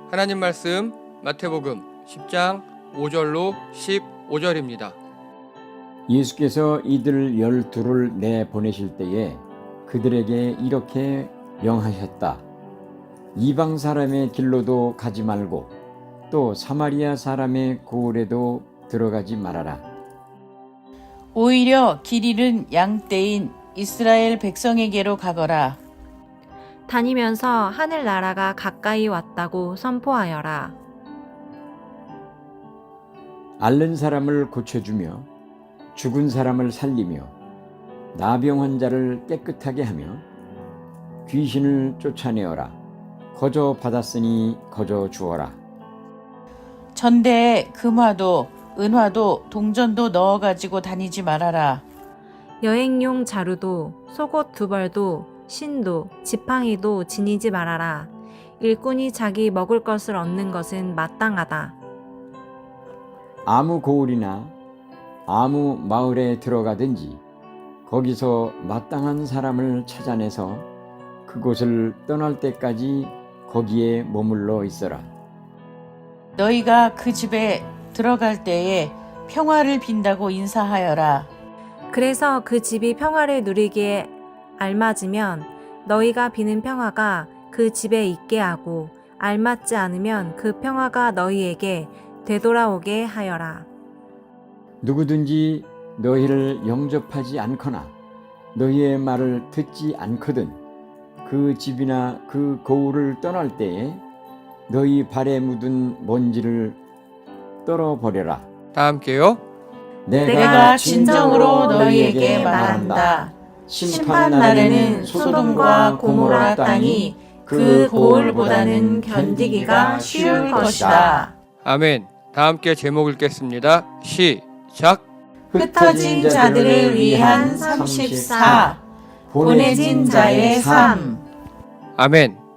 하나님 말씀 마태복음 10장 5절로 15절입니다. 예수께서 이들 12를 내보내실 때에 그들에게 이렇게 명하셨다. 이방 사람의 길로도 가지 말고 또 사마리아 사람의 고을에도 들어가지 말아라. 오히려 길 잃은 양떼인 이스라엘 백성에게로 가거라. 다니면서 하늘나라가 가까이 왔다고 선포하여라. 앓는 사람을 고쳐주며 죽은 사람을 살리며 나병 환자를 깨끗하게 하며 귀신을 쫓아내어라. 거저 받았으니 거저 주어라. 전대에 금화도 은화도 동전도 넣어가지고 다니지 말아라. 여행용 자루도 속옷 2벌도 신도 지팡이도 지니지 말아라. 일꾼이 자기 먹을 것을 얻는 것은 마땅하다. 아무 고을이나 아무 마을에 들어가든지 거기서 마땅한 사람을 찾아내서 그곳을 떠날 때까지 거기에 머물러 있어라. 너희가 그 집에 들어갈 때에 평화를 빈다고 인사하여라. 그래서 그 집이 평화를 누리기에 알맞으면 너희가 비는 평화가 그 집에 있게 하고 알맞지 않으면 그 평화가 너희에게 되돌아오게 하여라. 누구든지 너희를 영접하지 않거나 너희의 말을 듣지 않거든 그 집이나 그 고을을 떠날 때에 너희 발에 묻은 먼지를 떨어버려라. 다 함께요. 내가 진정으로 너희에게 말한다. 심판 날에는 소돔과 고모라 땅이 그 고을보다는 견디기가 쉬울 것이다. 아멘. 다 함께 제목 읽겠습니다. 시작. 흩어진 자들을 위한 34 보내진 자의 삶. 아멘.